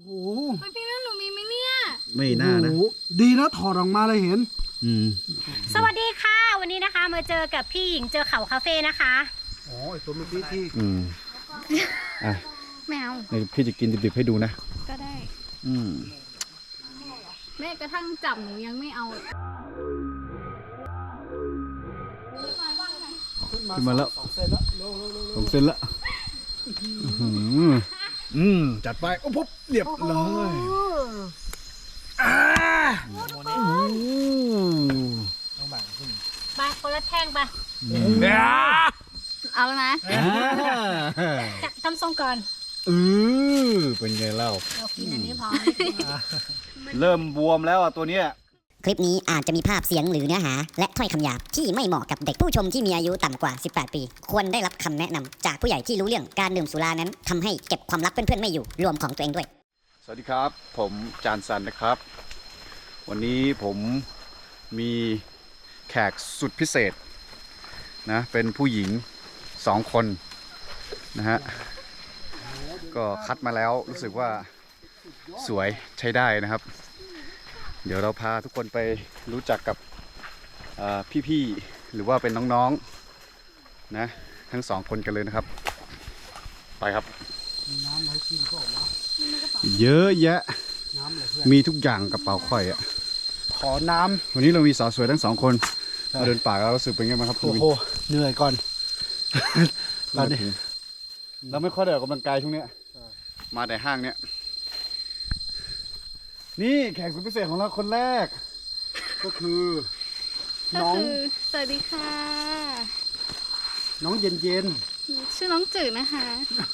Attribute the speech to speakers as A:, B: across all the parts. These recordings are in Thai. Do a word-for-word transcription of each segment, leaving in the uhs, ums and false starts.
A: โอ้โห
B: พี่นั่นหนูมีไหมเนี่ย
C: ไม่น่านะ
A: ดีนะถอดออกมาเลยเห็น
C: อืม
B: สวัสดีค่ะวันนี้นะคะมาเจอกับพี่หญิงเจอเขาคาเฟ่นะคะ
A: อ๋อไอตัวเมื่อกี้ที่
C: อืมอ่ะ
B: แมว
C: พี่จะกินดิบๆให้ดูนะ
B: ก็ได้
C: อืม
B: แม้กระทั่งจับหนูยังไม่เอา
C: ขึ้นมาแล้วสองเซนแล้วสองเซนแล้วอืมจัดไปโอ้ปุ๊บเรียบร้อยอ่า
A: ต้องแบ่งขึ้น
B: ไปคนละแท่งไปเอาแล้วนะทำทรงก่อน
C: เออเป็นไงเล่า
B: เรากินอันนี้พอ
C: เริ่มบวมแล้วอ่ะตัวเนี้ย
D: คลิปนี้อาจจะมีภาพเสียงหรือเนื้อหาและถ้อยคำหยาบที่ไม่เหมาะกับเด็กผู้ชมที่มีอายุต่ำกว่าสิบแปดปีควรได้รับคำแนะนำจากผู้ใหญ่ที่รู้เรื่องการดื่มสุรานั้นทำให้เก็บความลับเพื่อนๆไม่อยู่รวมของตัวเองด้วย
C: สวัสดีครับผมจานซันนะครับวันนี้ผมมีแขกสุดพิเศษนะเป็นผู้หญิงสองคนนะฮะก็คัดมาแล้วรู้สึกว่าสวยใช้ได้นะครับเดี๋ยวเราพาทุกคนไปรู้จักกับพี่ๆหรือว่าเป็นน้องๆนะทั้งสองคนกันเลยนะครับไปครับเยอะแยะมีทุกอย่างกระเป๋าข่อยอ่ะ
A: ขอน้ำ
C: วันนี้เรามีสาวสวยทั้งสองคนมาเดินป่าแล้วรู้สึกเป็นไงบ้างครับ
A: โอ้โหเหนื่อยก่อน
C: ตอนนี้เราไม่ค่อยได้ออกกำลังกายช่วงนี้มาแต่ห้างเนี้ยนี่แขกสุดพิเศษของเราคนแรกก็คือ
B: น้องสวัสดีค่ะ
A: น้องเย็นเย็น
B: ชื่อน้องจืดนะคะ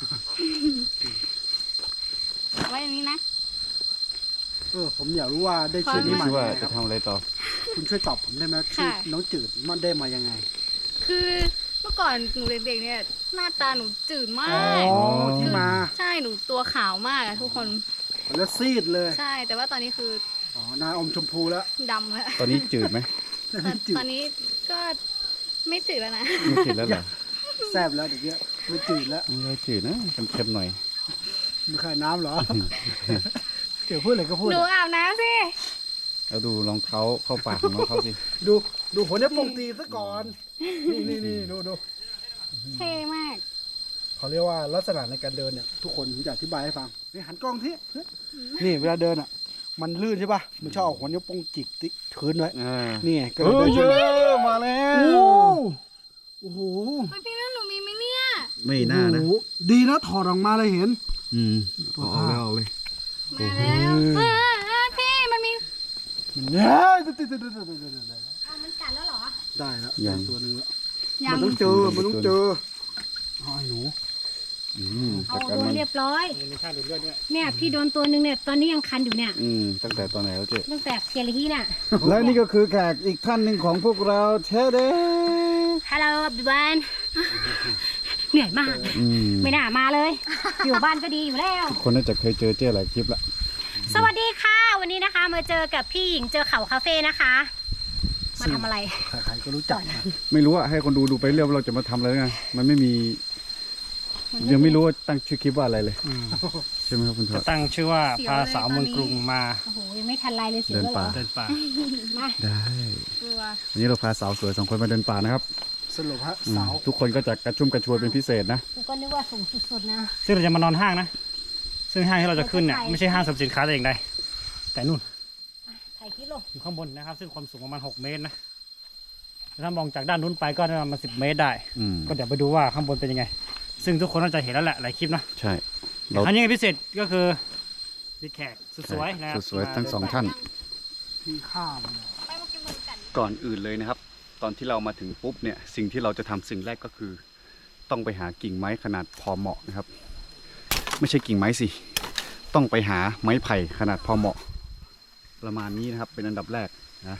B: ไว้อย่างนี้นะ
A: เออผมอยากรู้ว่าได้ชื่อนี้มา
C: ว่าจะทำอะไรต่อ
A: คุณช่วยตอบผมได้ไหมชื่อน้องจืดมันได้มายังไง
B: คือเมื่อก่อนหนูเด็กๆเนี่ยหน้าตาหนูจืดมาก
A: อ๋อที่มา
B: ใช่หนูตัวขาวมากอะทุกคน
A: แล้วซีดเลย
B: ใช่แต่ว่าตอนนี้คือ
A: อ๋อหน้าอมชมพูแล้ว
B: ดำแล้ว
C: ตอนนี้จืดไหม
B: ตอนนี้ก็ไม่จืดแล้วนะ
C: ไม่จืดแล้วเหรอ
A: แซ่บแล้วเดี๋ยวนี้ไม่จืดแล้ว
C: ไม่จืดนะเค็มๆหน่อย
A: มีขายน้ำเหรอเดี๋ยวพูดอะไรก็พูด
B: หนูอาบน้ำสิ
C: แล้วดูรองเท้าเข้าปากของน้องเขาสิ
A: ดูดูหัวเนี้ยปงตีซะก่อนนี่นี่นี่ดูดู
B: เท่มาก
A: เขาเรียกว่าลักษณะในการเดินเนี่ยทุกคนผมจะอธิบายให้ฟังนี่หันกล้องที่นี่เวลาเดินอ่ะมันลื่นใช่ป่ะมันชอบหัวนิ้วโป้งจิกติ๊กพื้นไว้นี่ไง
C: ก็เลยเยอะมาแล้ว
A: โอ้โห
B: พี่นั่นหนูมีไหมเนี่ย
C: ไม่น่านะ
A: ดีนะถอดออกมาเลยเห็น
C: อืมเอาแล้วเอาเลย
B: มาแล้วพี่มันมี
A: มันเนี่ย
B: เอามันกัดแล้วเหรอ
A: ได้แล้วอย่างตัวนึงแล้ว
B: มัน
A: ต้องเจอมันต้องเจอเอาไอ้หนู
B: เอาโดนเรียบร้อยเนี่ยพี่โดนตัวหนึ่งเนี่ยตอนนี้ยังคันอยู่เนี่ย
C: อืมตั้งแต่ตอนไหนแล้วเจ๊
B: ตั้งแต่เพียรฮีน่ะ
C: และนี่ก็คือแขกอีกท่านหนึ่งของพวกเราเชเด
B: ฮัลโหลบิวานเหนื่อยมากไม่น่ามาเลยอยู่บ้านก็ดีอยู่แล้ว
C: คนน่าจะเคยเจอเจ๊หลายคลิปละ
B: สวัสดีค่ะวันนี้นะคะมาเจอกับพี่หญิงเจอเขาคาเฟ่นะคะมาทำอะไร
A: ใครๆก็รู้จัก
C: ไม่รู้ว่าให้คนดูดูไปเรื่อยเราจะมาทำอะไรไงมันไม่มียังไม่รู้ว่าตั้งชื่อคลิปว่าอะไรเลยใช่ไหมครับคุณทวด
E: จะตั้งชื่อว่าพาสาวเมืองกรุงมา
B: โอ้โหยังไม่ทันไรเลยเสีย
C: เดินป่า
E: เดินป่า
B: มา
C: ได้วันนี้เราพาสาวสวยสองคนมาเดินป่านะครับ
A: สรุปฮะสาว
C: ทุกคนก็จะกระชุ่มกระชวยเป็นพิเศษนะ
B: ก็นึกว่าสูงสุดๆนะ
E: ซึ่งเราจะมานอนห้างนะซึ่งห้างที่เราจะขึ้นเนี่ยไม่ใช่ห้างสรรพสินค้าแต่อย่างใดแต่นู่น
B: ถ่ายคลิปลง
E: อยู่ข้างบนนะครับซึ่งความสูงประมาณหกเมตรนะถ้ามองจากด้านนู้นไปก็ประมาณสิบเมตรได้ก็เดี๋ยวไปดูว่าข้างบนเป็นยังไงซึ่งทุกคนน่าจะเห็นแล้วแหละหลายคลิปนะ
C: ใช่
E: ครั้งนี้พิเศษก็คือมีแขกสวยๆนะ
C: สวยๆทั้งสองท่าน
A: มีข้าม
C: ก่อนอื่นเลยนะครับตอนที่เรามาถึงปุ๊บเนี่ยสิ่งที่เราจะทำสิ่งแรกก็คือต้องไปหากิ่งไม้ขนาดพอเหมาะนะครับไม่ใช่กิ่งไม้สิต้องไปหาไม้ไผ่ขนาดพอเหมาะประมาณนี้นะครับเป็นอันดับแรกนะ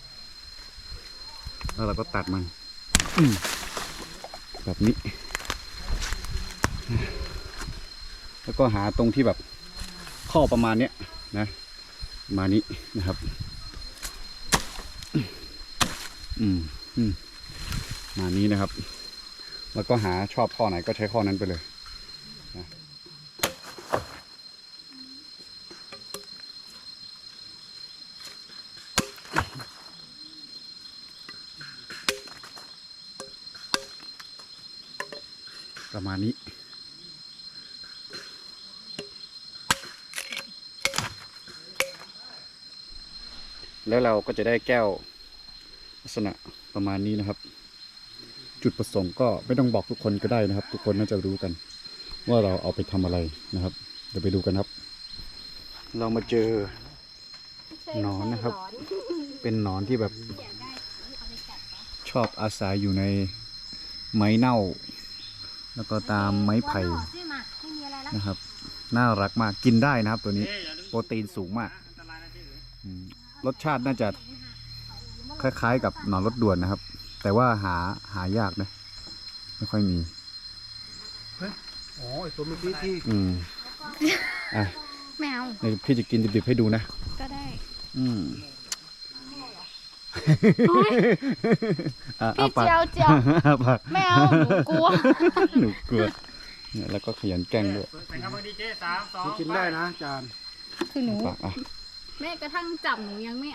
C: แล้วเราก็ตัดมันแบบนี้แล้วก็หาตรงที่แบบข้อประมาณเนี้ยนะมานี้นะครับอืมอืมมานี้นะครับแล้วก็หาชอบข้อไหนก็ใช้ข้อนั้นไปเลยนะประมาณนี้ แล้วเราก็จะได้แก้วลักษณะประมาณนี้นะครับ จุดประสงค์ก็ไม่ต้องบอกทุกคนก็ได้นะครับ ทุกคนน่าจะรู้กัน ว่าเราเอาไปทำอะไรนะครับ เดี๋ยวไปดูกันครับ เรามาเจอหนอนนะครับ เป็นหนอนที่แบบชอบอาศัยอยู่ในไม้เน่า แล้วก็ตามไม้ไผ่นะครับ น่ารักมากกินได้นะครับตัวนี้โปรตีนสูงมากอืมรสชาติน่าจะคล้ายๆกับหนอนรถด่วนนะครับ แต่ว่าหาหายากนะไม่ค่อยมี
A: อ๋อไอตัวเมื่อกี้ที่
C: อืมอ่ะ
B: แมว
C: เดี๋ยวพี่จะกินดิบๆให้ดูนะ
B: ก็ได้
C: อืม อ่ะ
B: พี่
C: อ้าปาก
B: เจียวเจียว
C: อ้าปาก
B: แมวหนูกลัว
C: หนูกลัวเนี่ยแล้วก็ขยันแกล้งด้วย
E: ไปครับมือดีเจสามสอง
A: กินได้นะจาน
B: คือหนู
C: ปากอ่ะ
B: แม้กระทั่งจับหนูยังไม่เอา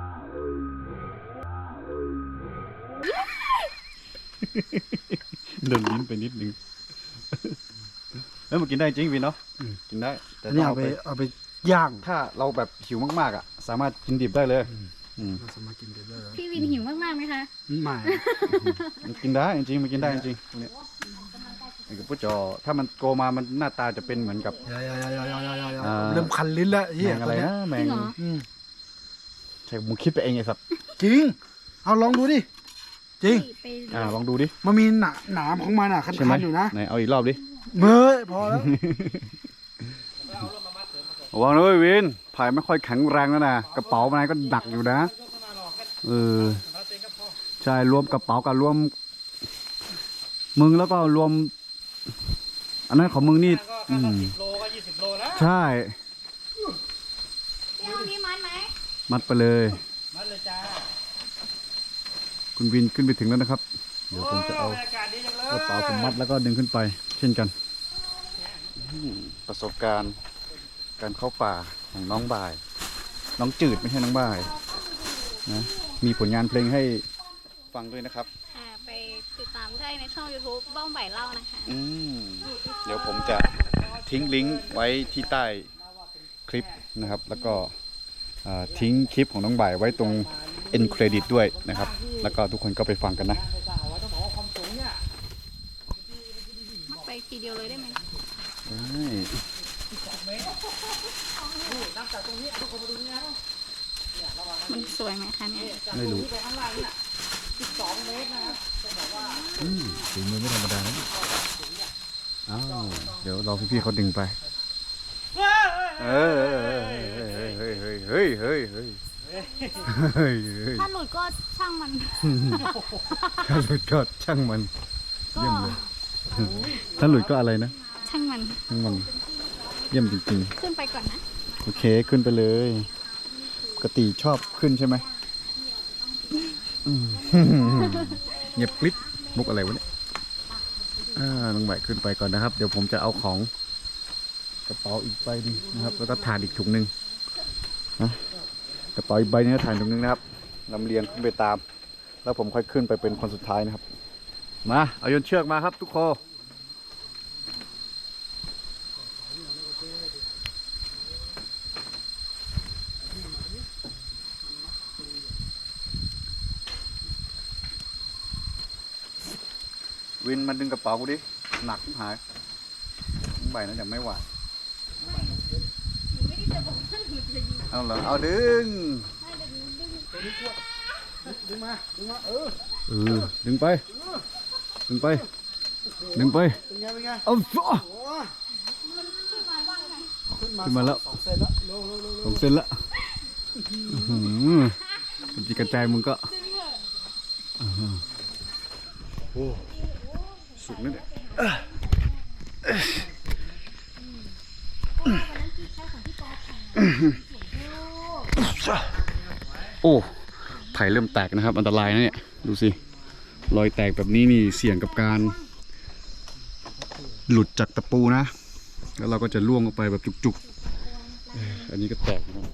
C: เดินลิ้นไปนิดนึงเอ้ยมันกินได้จริงพี่เนาะกินได้แต่
A: อัน
C: ต้
A: นี้
C: อง
A: เอา
C: เอา
A: ไป
C: ไป
A: เอาไปย่าง
C: ถ้าเราแบบหิวมากๆอ่ะ สามารถกินดิบได้เลยอืม
A: เราสามารถกินได้เลย
B: พี่วินหิวมากๆไหมคะ
A: ไม่
C: มันกินได้จริงๆมันกินได้จริงๆพวกเนี้ยไอ้กระปุกจอถ้ามันโกมามันหน้าตาจะเป็นเหมือนกับ
A: ยายายายายายายา
C: อ่า
A: เริ่มคันลิ้นแล้วเฮี
C: แม
A: ย
C: งอะไรนะแม
B: จริ
C: ง
B: งเหรอ
A: อืม
C: ใช่มึงคิดไปเองไอ้สัตว์
A: จริง เอาลองดูดิ จริง
B: ไป
C: อ่าลองดูดิ
A: มันมีหนาหนามของมันอ่ะ คั
C: ใช่ไหม
A: นๆอยู่นะ
C: ไหนเอาอีกรอบดิ
A: เมื่อยพอแล้ว
C: ระวังนะเว้ยวินไผ่ไม่ค่อยแข็งแรงแล้วนะกระเป๋ามันก็หนักอยู่นะเออใช่รวมกระเป๋ากับรวม มึงแล้วก็รวม อันนั้นของมึงนี่
E: ก็
C: อืม
E: สิบโลก็ยี่สิบโลแล้ว
C: ใช่
B: พี่เอาพี่มันไหม
C: มัดไปเลย
E: มาเลยจ้า
C: คุณวินขึ้นไปถึงแล้วนะครับ เดี๋ยวผมจะเอา
E: บรรยากาศดีจังเลย
C: กระเป๋าผมมัดแล้วก็ดึงขึ้นไป เช่นกันอืมประสบการณ์การเข้าป่าของน้องบ่าย น้องจืดไม่ใช่น้องบ่ายนะมีผลงานเพลงให้ฟังด้วยนะครับ
B: อ่าไปติดตามได้ในช่อง YouTube บ้องใบเล่านะคะ
C: อืมเดี๋ยวผมจะทิ้งลิงก์ไว้ที่ใต้คลิปนะครับ แล้วก็อ่าทิ้งคลิปของน้องบ่ายไว้ตรง end credit ด้วยนะครับ แล้วก็ทุกคนก็ไปฟังกันนะ
B: มัดไปทีเดียวเลยได้ไหม มันสวยไหมคะเนี่ย
C: ไม่รู้อืมฝีมือไม่ธรรมดานะอ้าวเดี๋ยวรอพี่ๆเขาดึงไปเฮ้ยเฮ้ยเฮ้ยเฮ้ยเฮ้ยเฮ้ยเฮ้ยเฮ้ย
B: ถ้าหลุดก็ช่างมัน
C: ถ้าหลุดก็ช่างมัน
B: ก็
C: เยี่ยมเลยถ้าหลุดก็อะไรนะ
B: ช่างมัน
C: ช่างมันเยี่ยมจริง
B: ขึ้นไปก่อนนะ
C: ๆโอเคขึ้นไปเลยปกติชอบขึ้นใช่ไหมอืมเงียบกริบมุกอะไรวะเนี่ยอ่าน้องใหม่ขึ้นไปก่อนนะครับ เดี๋ยวผมจะเอาของกระเป๋าอีกใบหนึงนะครับ แล้วก็ถ่านอีกถุงหนึ่งนะกระเป๋าอีกใบนึงถ่านถุงหนึงนะครับลำเลียงขึ้นไปตาม แล้วผมค่อยขึ้นไปเป็นคนสุดท้ายนะครับ มาเอาโยนเชือกมาครับทุกคนวินมันดึงกระเป๋ากูดิหนักหายใบนั้นยังไม่ไหวเอาเหรอเอาดึง
A: ดึงมา ดึงมา เออ
C: เออดึงไปดึงไปดึงไป
A: เป็นไง เป็นไง
C: เอาฟะ
A: โอ้ขึ้นมา
C: ขึ้นมาแล้ว
A: สองเซนแล้วเร็วเร็วเร็ว
C: สองเซนละอื้อหือมันจีกระจายมึงก็อื้อหือโอ้สุกนั่นเนี่ยโอ้ไผ่เริ่มแตกนะครับ อันตรายนะเนี่ย ดูสิ รอยแตกแบบนี้นี่เสี่ยงกับการ หลุดจากตะปูนะ แล้วเราก็จะล่วงออกไปแบบจุกๆเอ่ออันนี้ก็แตกนะครับ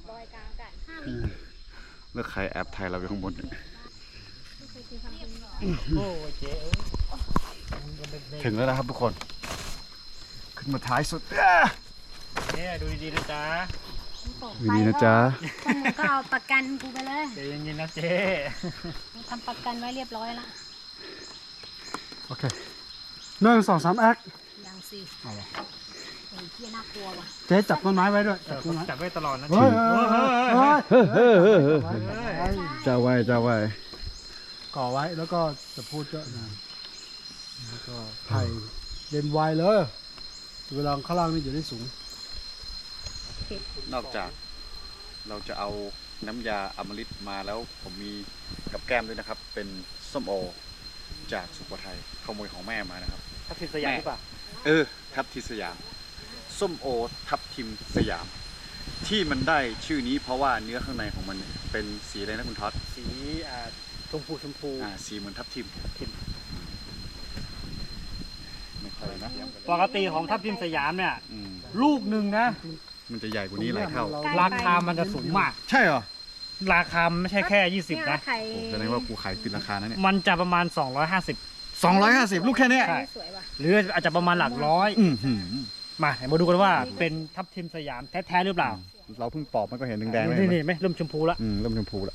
C: แล้วใครแอบถ่ายเราอยู่ข้างบนเนี่ย
E: โอ้ยเจ๊เอ้ย
C: ถึงแล้วนะครับทุกคน ขึ้นมาท้ายสุด
E: เนี่ยดูดีๆนะจ๊ะ
C: ดูดีนะจ๊ะ
B: พวกมึงก็เอาประกันกูไปเลย
E: เดี๋ยวเย็นๆนะเจ๊
B: กูทำประกันไว้เรียบร้อยละ
A: โอเคหนึ่งสองสามแอค
B: ยังสิไอ้เหี้ยน่ากลัวว่ะ
A: เจ๊จับต้นไม้ไว้ด้วย
E: เอ
A: จับ
E: อ
A: ต้นไม้
E: จับไว้ตลอดนะ
A: เฮ้ยเฮ้ยเฮ้ยเฮ้ย
C: เฮ้ยเฮ้ยเฮ้ยเฮ้ยเจ้าไว้เจ้าไว้
A: ก่อไว้แล้วก็จะพูดเยอะนะแล้วก็ไถ่เด่นไวเลย เวลาข้างล่างนี่จะได้สูง
C: นอกจากเราจะเอาน้ำยาอมฤตมาแล้วผมมีกับแก้มด้วยนะครับ เป็นส้มโอจากสุโขทัยขโมยของแม่มานะครับ
E: ทับทิมสยามหรือเปล่า
C: เออทับทิมสยามส้มโอทับทิมสยาม ที่มันได้ชื่อนี้เพราะว่าเนื้อข้างในของมันเนี่ยเป็นสีอะไรนะคุณท็อต
E: สีอ่าชมพูชมพู
C: อ่าสีเหมือนทับทิมไม่ค่อยนะ
E: ปกติของทับทิมสยามเนี่ย
C: อืม
E: ลูกหนึ่งนะ
C: มันจะใหญ่กว่านี้หลายเท่า
E: ราคามันจะสูงมาก
C: ใช่เหรอ
E: ราคาไม่ใช่แค่ยี่สิบ
B: เนี่ย
E: นะ
B: ไข่
C: โอ้แสดงว่ากูขายติดราคานะเนี่ย
E: มันจะประมาณสองร้อยห้าสิบ
C: สองร้อยห้าสิบลูกแค่เนี้ย
E: ใช่
B: สวยว่ะ
E: หรืออาจจะประมาณหลักร้อย
C: อือหือ
E: มาเดี๋ยวมาดูกันว่าเป็นทับทิมสยามแท้ๆหรือเปล่า
C: เราเพิ่งปอกมันก็เห็นแดงๆเลย
E: นี่นี่ไหมเริ่มชมพูแล้ว
C: อืมเริ่มชมพูแล้ว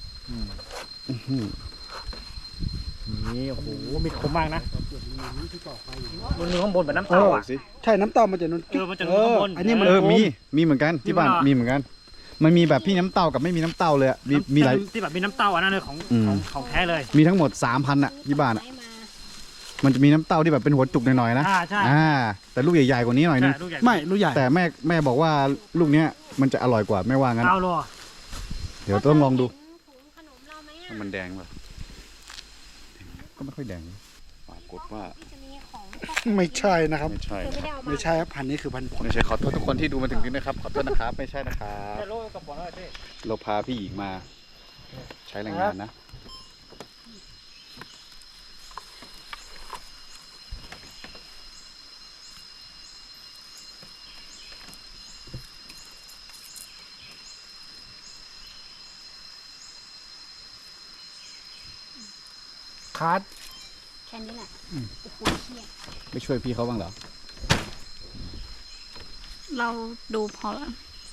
E: นี่โอ้โหมีคมมากนะมันมีข้างบนแบบน้ำ
A: เอ
E: เต้า
A: อ
E: อ่ะ
C: สิ
A: ใช่น้ำเต้ามันจะนุ่น
E: เออมันจะนุ่นข้างบน
A: อันนี้มัน
C: เออ
A: โค้ง
C: มีมีเหมือนกันที่บ้าน
E: มีเหรอ
C: มีเหมือนกัน มันมีแบบพี่น้ำเต้ากับไม่มีน้ำเต้าเลยอะมีมีหลาย
E: ที่แบบมีน้ำเต้าอันนั้นเลยของ
C: อืม
E: ของของแท้เลย
C: มีทั้งหมดสามพันอะที่บ้านอะ
B: ไม้มา
C: มันจะมีน้ำเต้าที่แบบเป็นหัวจุกหน่อยๆนะ
E: อ่าใช่
C: อ่าแต่ลูกใหญ่ๆกว่านี้หน่อยนึง
E: ใช่ลูกใหญ่
A: ไม่รู้ใหญ่
C: แต่แม่แม่บอกว่าลูกเนี้ยมันจะอร่อยกว่าแม่ว่างั้น
E: เอาโล
C: เดี๋ยวต้องลองดู
B: ถุงขนมเราไหมอ่ะ
C: มันแดงป่ะก็ไม่ค่อยแดงปรากฏว่า
B: จะมีของ
A: ไม่ใช่นะครับ
C: ไม่ใช่
B: คือไม่ได้เอามา
A: ไม่ใช่ครับพันธุ์นี้คือพันธุ์ผล
C: ไม่ใช่ขอโทษทุกคนที่ดูมาถึงนี้นะครับขอโทษนะครับไม่ใช่นะครับ
E: โลกระป๋องอะไรพี่
C: เราพาพี่หญิงมา ใช้แรงงานนะ
A: คาร์ด
B: แค่นี้แหละโอ้โหเชี่ย
C: ไม่ช่วยพี่เขาบ้างเหรอ
B: เราดูพอแล้ว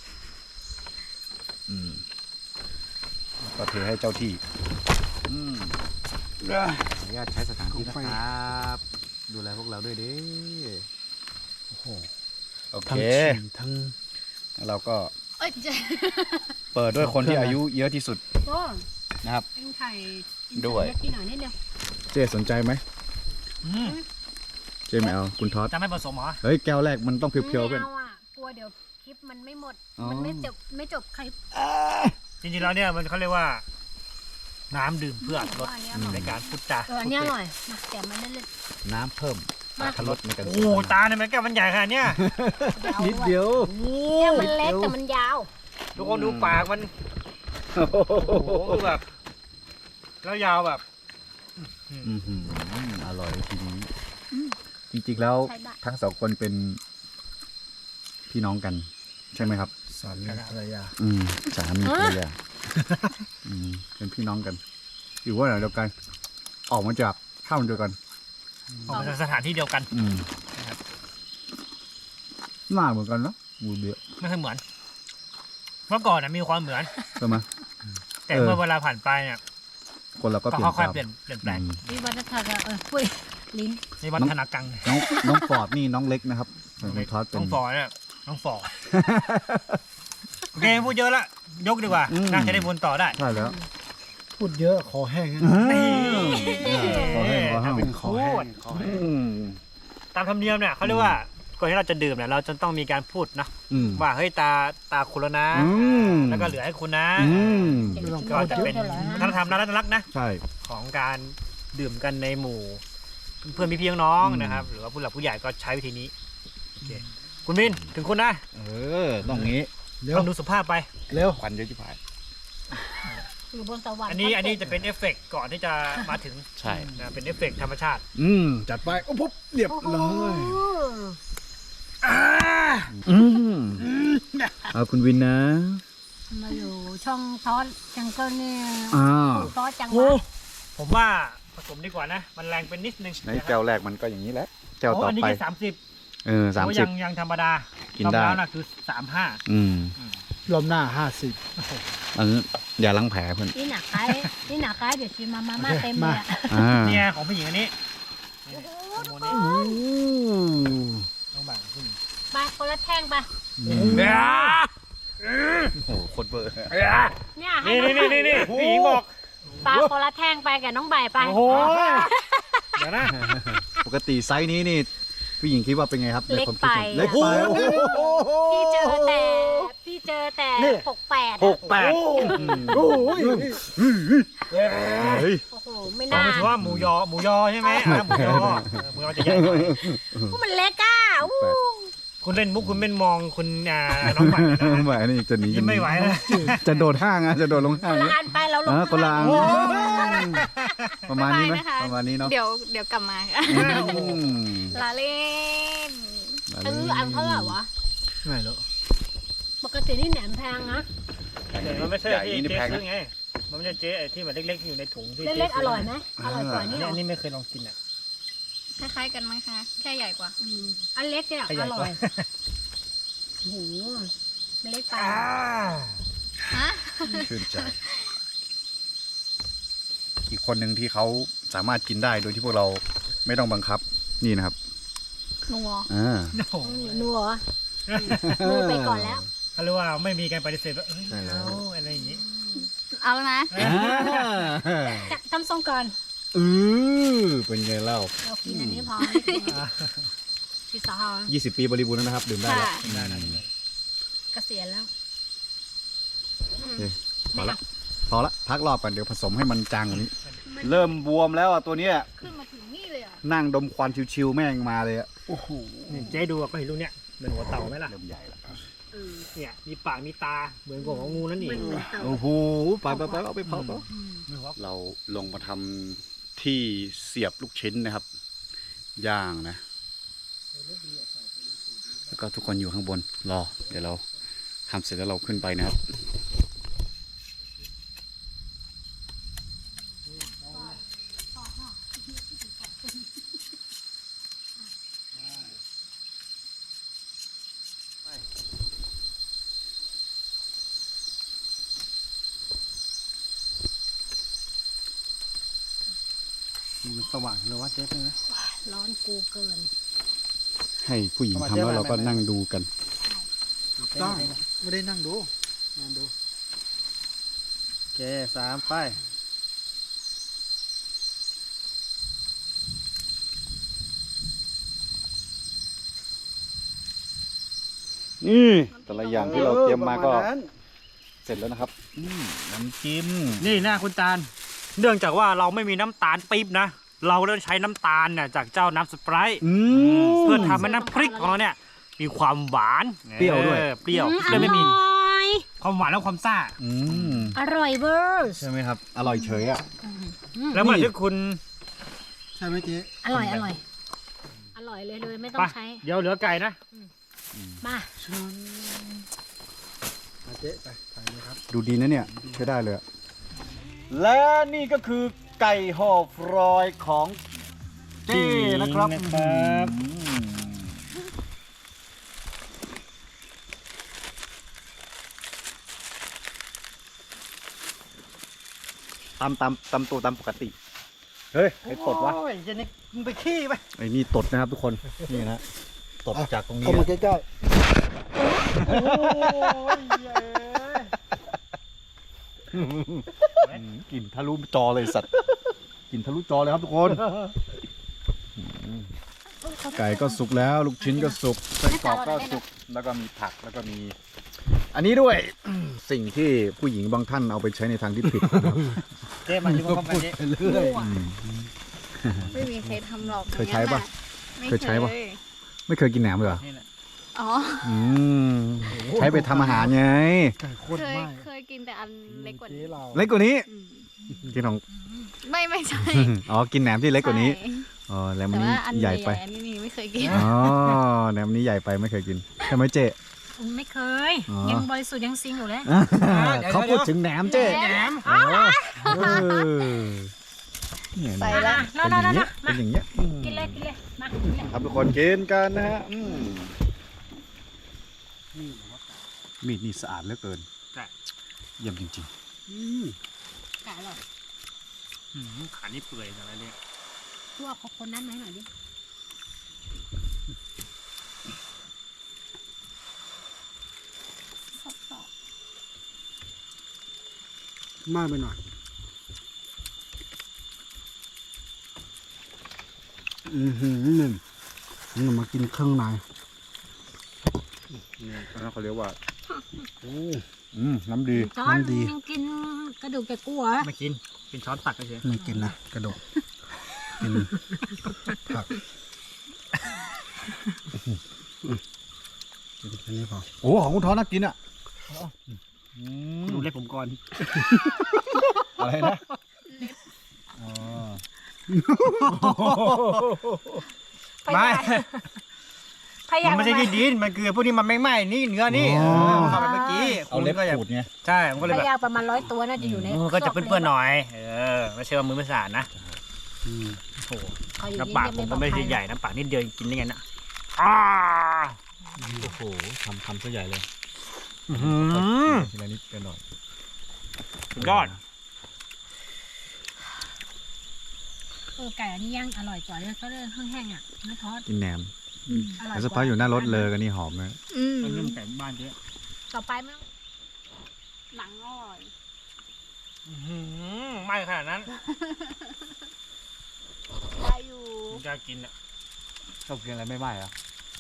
C: อืมก็เทให้เจ้าที่ อืมขออนุญาตใช้สถานที่นะครับ ดูแลพวกเราด้วยดิโอ้โหโอเค
A: ทั้งฉี่ทั้ง
C: แล้วเราก็
B: เอ้ยเจ๊
C: เปิดด้วยคนที่อายุเยอะที่สุด
B: โอ้
C: นะครับ
B: เอ็งไข่
C: ด้วย
B: ที่หน่อยนิดเดียว
C: เจ๊สนใจไหม
E: อืม
C: เจ๊ไม่เอาคุณท็อต
E: จะไม่ผสมเหรอ
C: เฮ้ยแก้วแรกมันต้องเพียวๆ
B: ไม่
C: เพื่อน
B: เอาอ่ะกลัวเดี๋ยวคลิปมันไม่หมด
C: อ๋อ
B: มันไม่จบไม่จบคลิป
E: จริงๆแล้วเนี่ยมันเขาเรียกว่า น้ำดื่มเพื่ออรรถรส
B: อันนี้อร่อย
E: ในการพูดจา
B: เอออันนี้อร่อยมาแต่มันเล่น
C: น้ำเพิ่ม
B: มา
C: อรรถรสในการ
E: โอ้โหตาเนี่ยมันแก้วมันใหญ่ขนาดเนี้ย
B: ๆยาว
C: นิด
B: ด้วย
C: เดียว
E: โอ้โห
B: เนี่ยมันเล็กแต่มันยาว
E: ทุกคนดูปากมันโอ้โหแบบ แล้วยาวแบบ
C: อือหืออร่อยทีนี้ จริงๆแล้ว
B: ใช้ได้
C: ทั้งสองคนเป็นพี่น้องกัน ใช่ไหมครับ
A: สามีภรรยา
C: อืมสามีภรรยาอืมเป็นพี่น้องกัน อยู่ว่าไหนเดียวกัน ออกมาจากข้าวเดียวกัน
E: ออกมาจากสถานที่เดียวกัน
C: อืมหน้าเหมือนกันเนาะมูเบีย
E: ไม่เคยเหมือน เมื่อก่อนนะมีความเหมือน
C: ใช่ไหม
E: แต่
C: เออ
E: เมื่อเวลาผ่านไปเนี่ย
C: คนเราก็
E: ก็
C: เปลี่ยน
E: ค่อย
C: ตาม
E: ๆเปลี่ยนเปลี่ยนแปลง
C: อืม
B: วิวัฒนาการเออปุ้ยลิ้น
E: ในวัฒนกัง
C: น้องน้องฟอร์ดนี่น้องเล็กนะครับส่วนคุณท็อตเป็
E: น้
C: น
E: องฟอร์เนี่ยน้องฟอร์โอเคพูดเยอะละยกดีกว่า
C: อืม
E: น่าจะได้วนต่อได้
C: ใช่แล้ว
A: พูดเยอะขอแห้งนะ
C: ขอให้ขอให้
A: เป็นขอแห้งขอแห้ง
C: อืม
E: ตามธรรมเนียมเนี่ยเขาเรียกว่าก่อนที่เราจะดื่มเนี่ยเราจะต้องมีการพูดนะ
C: อืม
E: ว่าเฮ้ยตาตาคุณแล้วนะ
C: อืม
E: แล้วก็เหลือให้คุณนะ
C: อืม
A: ไม่ต้อง
E: ก็จะเป็นวัฒนธรรมน่ารักๆนะ
C: ใช่
E: ของการดื่มกันในหมู่ เพื่อนพี่ๆน้องๆ
C: อืม
E: นะครับ หรือว่าผู้หลักผู้ใหญ่ก็ใช้วิธีนี้โอเคคุณวินถึงคุณนะ
C: เออต้องงี้
A: เร็ว
E: ต้องดูสุภาพไป
A: เร็ว
C: ควันเยอะจิ๋วหาย
B: อยู่บนสวรรค์
E: อันนี้อันนี้จะเป็นเอฟเฟกต์ก่อนที่จะมาถึง
C: ใช่
E: นะเป็นเอฟเฟกต์ธรรมชาติ
C: อืมจัดไปโอ้ปุ๊บเรียบ
B: โอ้โห
C: ร้อยอืมเอาคุณวินนะ
B: มาอยู่ช่องทอสจังเกิลเนี่ย
C: อ้าว
B: ทอสจัง
E: โอ้
B: วะ
E: ผมว่าผสมดีกว่านะ มันแรงเป็นนิดนึง
C: ในแก้วแรกมันก็อย่างนี้แหละแก้ว
E: โอ้
C: ต่อ
E: อันนี้
C: ไป
E: แค่สามสิบ
C: เออสาม
E: โอ้
C: สิ
E: ยั
C: บ
E: งยังธรรมดา
C: กินได้
E: รอบแล้วนะคือสามห้า
C: อืม
A: รอบหน้าห้าสิบ
C: อันนี้อย่าล้างแผลเพื่อน
B: นี่หนักไก่นี่หนักไก่เดี๋ยวชิมมามาม่าเต็มเลยอะ
C: อ่า
E: เนี่ยของผู้หญิงอันนี้นี่โมเดล
A: อืม
E: ต้องแบ่งผู้หญิง
B: ไปคนละแท่งไป
C: โอ้โหโคตรเบอร์
B: เนี่ยให้
E: นี่
B: น้อง
E: นี่นี่นี่ผู้หญิงบอก
B: ปลาคนละแท่งไปกับน้องใบไป
E: โอ้โหเดี๋ยวนะ
C: ปกติไซส์นี้นี่ผู้หญิงคิดว่าเป็นไงครับใน
B: เล็ก
C: ความคิ
B: ไป
C: ดของเล็กไปโอ้โห
B: พี่เจอแต่พี่เจอแต่หกแปด
C: หกแปด
A: โอ้ย
C: เฮ้ย
B: โอ้โหไม่
E: ต้อง
B: น่า
E: ไปถือว่าหมูยอหมูยอใช่ไหมอ่ะหมูยอเออหมูยอจะใหญ่หน่อย
B: พวกมันเล็กอ่ะอู้
E: คุณเล่นมุกคุณเป็นมองคุณอ่าน้องใหม่นะ
C: ไม่นี่จะหนี
E: ยิ้มไม่ไหวนะ
C: จะโดดห้างอ่ะจะโดดลงห้า
B: ค
C: ง
B: นละอันไปเราลง
C: อ่าคนละอัน
E: โอ้
C: ประมาณนี้ไหม
F: บ๊ายบายนะคะ
C: ประมาณนี้เนาะ
F: เดี๋ยวเดี๋ยวกลับมาค่ะ
C: อืม
F: ลาเล่น
B: ซื้ออันเท่าไหร่วะ
A: ไม่หรอก
B: ปกตินี่แหนมแพงนะ
E: แต่มันไม่ใช่
C: ใหญ่
E: ที่
C: นี่
E: เจ๊
C: แพง
E: ซื้
C: นะ
E: อไง มันไม่ใช่เจ๊ไอ้ที่แบบเล็กๆอยู่ในถุงที่
B: เล็กๆอร่อยไหมอร่อยกว่า
E: อัน
B: นี่
E: นี้
B: เหรอ
E: อันนี้ไม่เคยลองกินอ่ะ
F: คล้ายๆกันมั้งคะ แค่ใหญ่กว่า
B: อืมอันเล็กเนี่ย
E: ข
B: อ
E: ยัน
B: ร่
E: ก
B: อ
E: ว่า
B: ยโอ้โหมันเล็กไป
F: ฮะ
C: ชื่นใจ อีกคนหนึ่งที่เขาสามารถกินได้โดยที่พวกเราไม่ต้องบังคับนี่นะครับ
F: นัว
C: อ่า
E: โอ้โห
B: นัวนัวไปก่อนแล้ว
E: เขาเรียกว่าไม่มีการปฏิเสธว่าเอ้ย
C: ใช่แล้ว
E: เอาอะไรอย่างงี้
F: เอาแล้วนะ
B: จะทำทรงก่อน
C: อือเป็นไงเล่า
B: เรากินอันนี้พอพี่สาว
C: ยี่สิบปีบริบูรณ์แล้วนะครับ ดื่มได้แล้ว
F: ค่ะ
E: ได้ได้ได้
B: เกษียณแล้ว
C: พอละพอละพักรอบก่อนเดี๋ยวผสมให้มันจางกว่านี้ เริ่มบวมแล้วอ่ะตัวเนี้ย
F: ขึ้นมาถึงนี่เลยอ่ะ
C: นั่งดมควันชิวๆแม่งมาเลยอ่ะ
A: โอ้โห
E: นี่เจ๊ดูอะก็เห็นลูกเนี้ยเหมือนหัวเต่าไหมล่ะ
C: เริ่มใหญ่ละ
E: เนี่ยมีปากมีตาเหมือนกับของงูนั่นเอง
C: โอ้โหไปไปไปเอาไปเผาเผา
E: ไม่รู้ว่า
C: เราลงมาทำที่เสียบลูกชิ้นนะครับ ย่างนะ แล้วก็ทุกคนอยู่ข้างบนรอ เดี๋ยวเราทำเสร็จแล้วเราขึ้นไปนะครับ
A: มันสว่างเลยว่าเจ๊ใช่ไหม
B: ร้อนกูเกิน
C: ให้ผู้หญิงทำแล้วเราก็นั่งดูกัน
A: ต้องไม่ได้นั่งดูนั่งดู
E: โอเคสามไป
C: นี่แต่ละอย่างที่เราเตรียมมาก็
A: ออประณนั้น
C: เสร็จแล้วนะครับอืมน้ำจิ้ม
E: นี่หน้าคุณตาล เนื่องจากว่าเราไม่มีน้ำตาลปี๊บนะ เราเลือกใช้น้ำตาลเนี่ยจากเจ้าน้ำสไปร์
C: อืม
E: เพื่อทำให้น้ำพริกของเราเนี่ยมีความหวาน
C: เปรี้ยวด้วย
E: ออเปรี้ยว
B: อืม
E: เลยไม่มี
B: อร่อย
E: ความหวานและความซ่า
C: อืม
B: อร่อยเวอร์
C: ใช่ไหมครับ อร่อยเฉยอ่ะ
E: แล้วเมื่อที่คุณ
A: ใช่ไหมเจ๊
B: อร่อยอร่อยอร่อยเลยเลยไม่ต้อ
E: ไป
B: งใช้
E: เดี๋ยวเหลือไก่นะ
B: มา
A: มาเจ๊ไปไปเลยครับ
C: ดูดีนะเนี่ยใช้ได้เลยอะและนี่ก็คือไก่ห่อฟรอยของเจ้นะครับ
E: นะครับ
C: อืมตำตำตำตัวตำปกติ เฮ้ยไอ้ตดวะ
E: โอ้ยเจนี่มึงไปขี้ไป
C: ไอ้นี่ตดนะครับทุกคน นี่นะตดจากตรงนี้
A: เข้ามาใกล้
C: อืมกลิ่นทะลุจอเลยสัตว์กลิ่นทะลุจอเลยครับทุกคน ไก่ก็สุกแล้ว ลูกชิ้นก็สุกไส้กรอกก็สุกแล้วก็มีผักแล้วก็มี อันนี้ด้วย สิ่งที่ผู้หญิงบางท่านเอาไปใช้ในทางที่ผิดนะครับ
E: เจ๊มาที่พร้อมกันเจ๊
A: ๆไปเรื่อย
F: ไม่มีใครทำหรอก
C: เคยใช้ปะ
F: ไม่
C: เคยใช้ปะ ไม่เคยกินแหนมเลยเหรอ
E: นี่แหละ
F: อ๋อ
C: อืมใช้ไปทำอาหารไง
A: ไก่โคตร
F: เคย
A: ไหม้
F: เคยกินแต่อันเล็กกว่า
A: เจ๊
F: นี้
A: เรา
C: เล็กกว่านี้
F: อืม
C: กินของ
F: ไม่ไม่ใช่
C: อ๋อกินแหนมที่เล็กกว่านี้
F: ใช่
C: อ๋อแหนม
F: แต่
C: นี้
F: ว่าอัน
C: ใหญ่ไป
F: อันนี้ไม่เคยกิน
C: อ๋อแหนมนี้ใหญ่ไปไม่เคยกินใช่ไหมเจ๊
B: ไม่เคย
C: อ๋อ
B: ยังบริสุทธิ์ยังซิงอยู่เลย
C: เขาพูดถึงแหนมเจ๊
F: แหนม
C: อ๋อเออเนี่ย
F: ไป
C: เนี่ย
F: แล้ว
B: นอนนอนนอน
C: เป็นอย่างเงี้ย
B: มา
C: เป็นอย่างเงี้ยอืม
B: กินเลยกินเลยมากินเลย
C: ครับทุกคนกินกันนะฮะอืมมีดนี่สะอาดเหลือเกิน
E: ใช่
C: เยี่ยมจริง
A: อืม
B: ไก่อร่อย
E: อืมขานี่เปื่อยอะไรเนี่ย
B: พวกเขาคนนั้นไหมหน่อยดิ
A: มากไปหน่อยอือหือนี่นี่มากินเครื่องใน
C: ๆนี่อันนั้นเขาเรียกว่า
A: โอ้
C: อืมน้ำดี
B: ช้อน
A: น้ำดี
B: ยังกินกระดูกแกกูเหรอ
E: ไม่กินเป็นช้อนตักเฉย
A: ไม่กินนะกระโดดกินผักกินแค่นี้พอ
C: โอ้ของคุณท้อน่ากินอ่ะอืม
E: ดูเล็บผมก่อน
C: อะไรนะอ๋อ
E: ไม่
B: พยายา
E: มั
B: ม
E: นไม่ใช่ที่ดินมันคือพวกนี้มันไม่ไหม้นี่เนื้อนี่เออเข้าไปเมื่อกี้
C: เอาเล็บ
E: ก็จะ
C: ขูดไง
E: ใช่มันก็เลย
B: พ
E: แบบ
B: ยายามประมาณร้อยตัวน่าจะอยู่ใน
E: มือก็จะเปื้อนๆหน่อยเออไม่ใช่ว่ามือไม่สะอาดนะ
A: อืม
E: โอ้โห
B: เขาอยู่
E: น้ำปากผมก็ไม่ใช่ใหญ่น้ำปากนิดเดียวกินได้ไงนะอ้า
C: โอ้โหทำทำซะใหญ่เลย
E: อื้อหือ
C: ทีละนิดกันหน่อย
E: สุดยอด
B: เออไก่อันนี้ย่างอร่อยกว่าเลยก็เลยแห้งๆอ่ะไม่ทอด
C: กินแหนม
B: อร่อย
C: แล้วสักพักอยู่หน้ารถเลยกันนี่หอมเลย
F: อืม
E: มันเริ่มไก่บ้านเยอะ
B: ต่อไปมั้งหนังอร่อย
E: อื้อหือไหม้ขนาดนั้น
F: ได้อยู่
E: ผมจะกินอ่ะ
C: ชอบกินอะไรไม่ไหม้อะ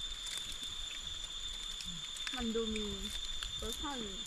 F: มันดูมีรสชาติอยู่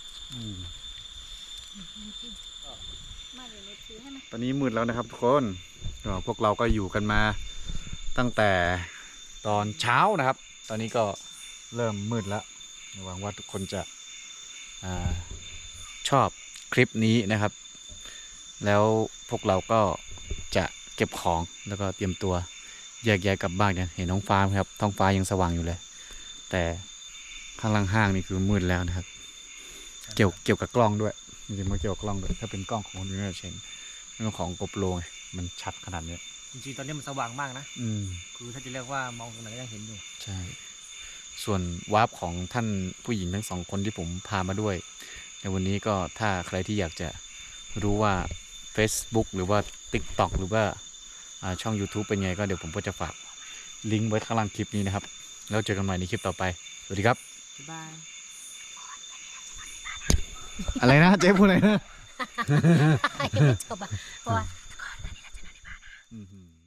F: มาเดี๋ยวเราซื้อให้ไหม
C: ตอนนี้มืดแล้วนะครับทุกคนก็พวกเราก็อยู่กันมาตั้งแต่ตอนเช้านะครับ ตอนนี้ก็เริ่มมืดแล้วหวังว่าทุกคนจะอาชอบคลิปนี้นะครับ แล้วพวกเราก็จะเก็บของแล้วก็เตรียมตัวแยกย้ายกลับบ้านกันเห็นท้องฟ้าไหมครับท้องฟ้ายังสว่างอยู่เลย แต่ข้างล่างห้างนี่คือมืดแล้วนะครับ เกี่ยวเกี่ยวกับกล้องด้วยจริงๆมันเกี่ยวกับกล้องด้วยถ้าเป็นกล้องของยูนิเชนเรื่องของโกโปรมันชัดขนาดนี้
E: จริงๆตอนนี้มันสว่างมากนะ
C: อืม
E: คือถ้าจะเรียกว่ามองตรงไหนก็ยังเห็นอยู่
C: ใช่ ส่วนวาร์ปของท่านผู้หญิงทั้งสองคนที่ผมพามาด้วย ในวันนี้ก็ถ้าใครที่อยากจะรู้ว่า Facebook หรือว่า TikTok หรือว่าอ่าช่อง YouTube เป็นไงก็เดี๋ยวผมก็จะฝากลิงก์ไว้ข้างล่างคลิปนี้นะครับ แล้วเจอกันใหม่ในคลิปต่อไป สวัสดีครับ
E: บ๊ายบาย
C: อะไรนะเจ๊พูดอะไรนะ
B: จบอ่ะเพราะว่า
C: อืม